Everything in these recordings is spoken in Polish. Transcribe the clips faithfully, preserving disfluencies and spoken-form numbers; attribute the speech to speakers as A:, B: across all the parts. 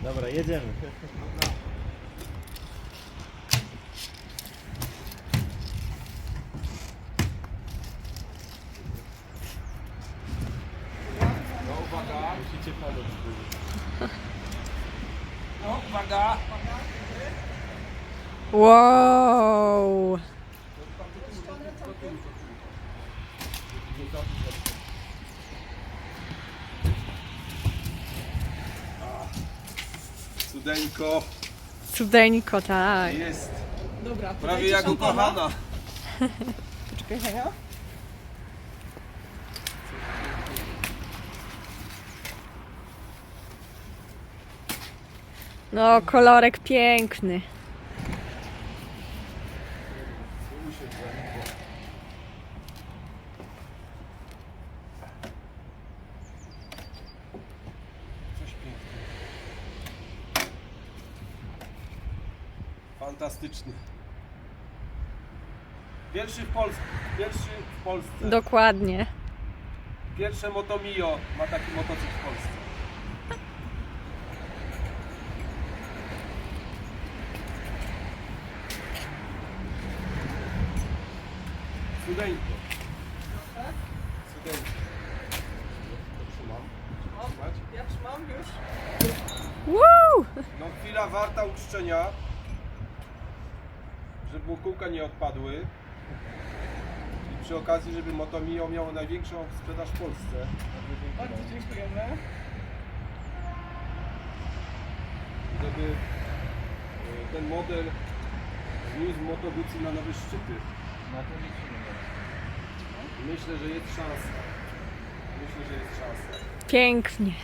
A: Dobra, jedziemy.
B: No uwaga, musicie pomóc. No uwaga.
C: Wow!
B: Cudeńko
C: Cudeńko, tak.
B: jest.
D: Dobra,
B: Prawie jak ukochana.
D: Poczekaj, Henia.
C: No, kolorek piękny.
B: Coś pięknego. Fantastyczny. Pierwszy w Polsce. Pierwszy w Polsce.
C: Dokładnie.
B: Pierwsze Moto Mio ma taki motocykl w Polsce. Cudeńko. Cudeńko. To trzymam. Trzymać.
D: Ja trzymam już.
C: Woo!
B: No chwila warta uczczenia, żeby kółka nie odpadły. I przy okazji, żeby Moto Mio miało największą sprzedaż w Polsce.
D: Bardzo dziękujemy.
B: Żeby e, ten model zniósł Moto Guzzi na nowe szczyty. Myślę, że jest szansa. Myślę, że jest szansa.
C: Pięknie.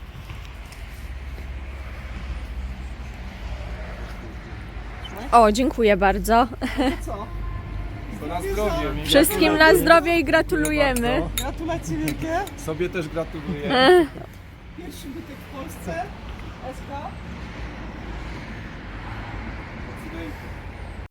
C: O, dziękuję bardzo.
D: Co?
B: To na zdrowie.
C: Wszystkim na zdrowie i gratulujemy.
B: Bardzo.
D: Gratulacje wielkie.
B: Sobie też gratuluję.
D: Pierwszy bytek w Polsce. Eska.
B: Cudeńko.